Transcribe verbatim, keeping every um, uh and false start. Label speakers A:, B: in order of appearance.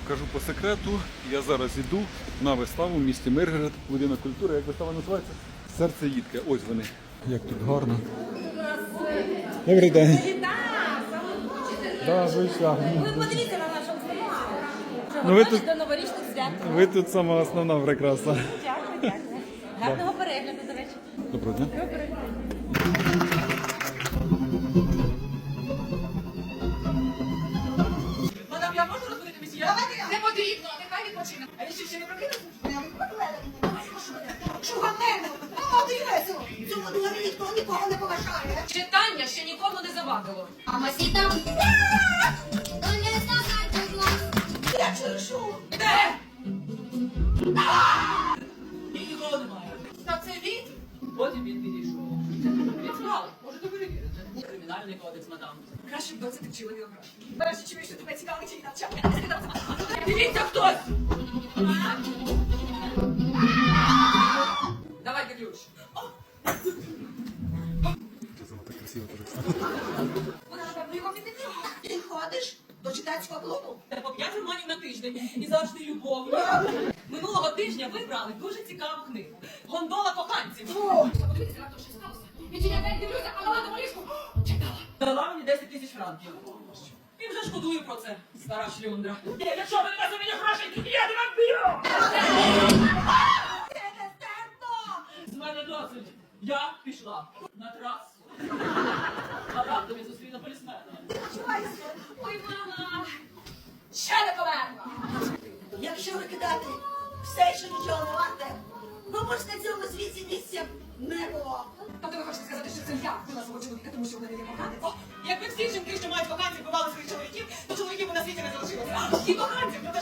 A: Кажу по секрету, я зараз іду на виставу в місті Миргород, будинок культури. Як вистава називається? Серце їдке. Ось вони. Як тут гарно. Добрий день. Да, звичайно.
B: Ви подивіться на нашому знімку.
A: Ну, ви тут-
B: до новорічних свят.
A: Ви тут сама основна прекрасна.
B: Дякую, дякую. Гарного перегляду, до речі.
A: Доброго дня.
C: Мадам, я можу розбудити місія? Не потрібно, нехай відпочине. А він що, ще не прокинувся?
D: Чуганину! Молодий весело! Цьому дворі ніхто нікого не поважає.
C: Читання ще нікому не завадило.
D: А масіта? Я чую шум.
C: Де? І нікого немає. Та це він? Потім він підійшов. Він справи, можете перевірити. Кримінальний кодекс, мадам. Краще б доця ти вчила географію. Нарешті чую, що тебе цікавить її навчання. Дивіться хтось! Давайте ключ.
A: Так красиво теж.
D: Вона, напевно, його відмінила. Ти ходиш до читацького клубу?
C: Та по п'ять романів на тиждень і завжди любов'ю. Минулого тижня ви брали дуже цікаву книгу. Гондола коханців. Подивіться, раптом що сталося. Відчиняй, дивлюся, а вона на ліжку. Читала. Дала мені десять тисяч франків. І вже шкодую про це, стара шлюндра. Ні, якщо ви не дасте мені грошей, я не вам б'ю!
D: Це не стерпно!
C: З мене досить. Я пішла на трасу. А раптом я зустріла полісмена.
D: Чувайся!
C: Ой, мама! Ще не померла!
D: Якщо викидати все, що нічого не варте, ну бо ж на цьому світі місця не було.
C: Тобто ви хочете сказати, що це я була свого чоловіка, тому що вона не є коханець? О, якби всі жінки, що мають коханців, бували своїх чоловіків, то чоловіків би на світі не залишилося. І коханців!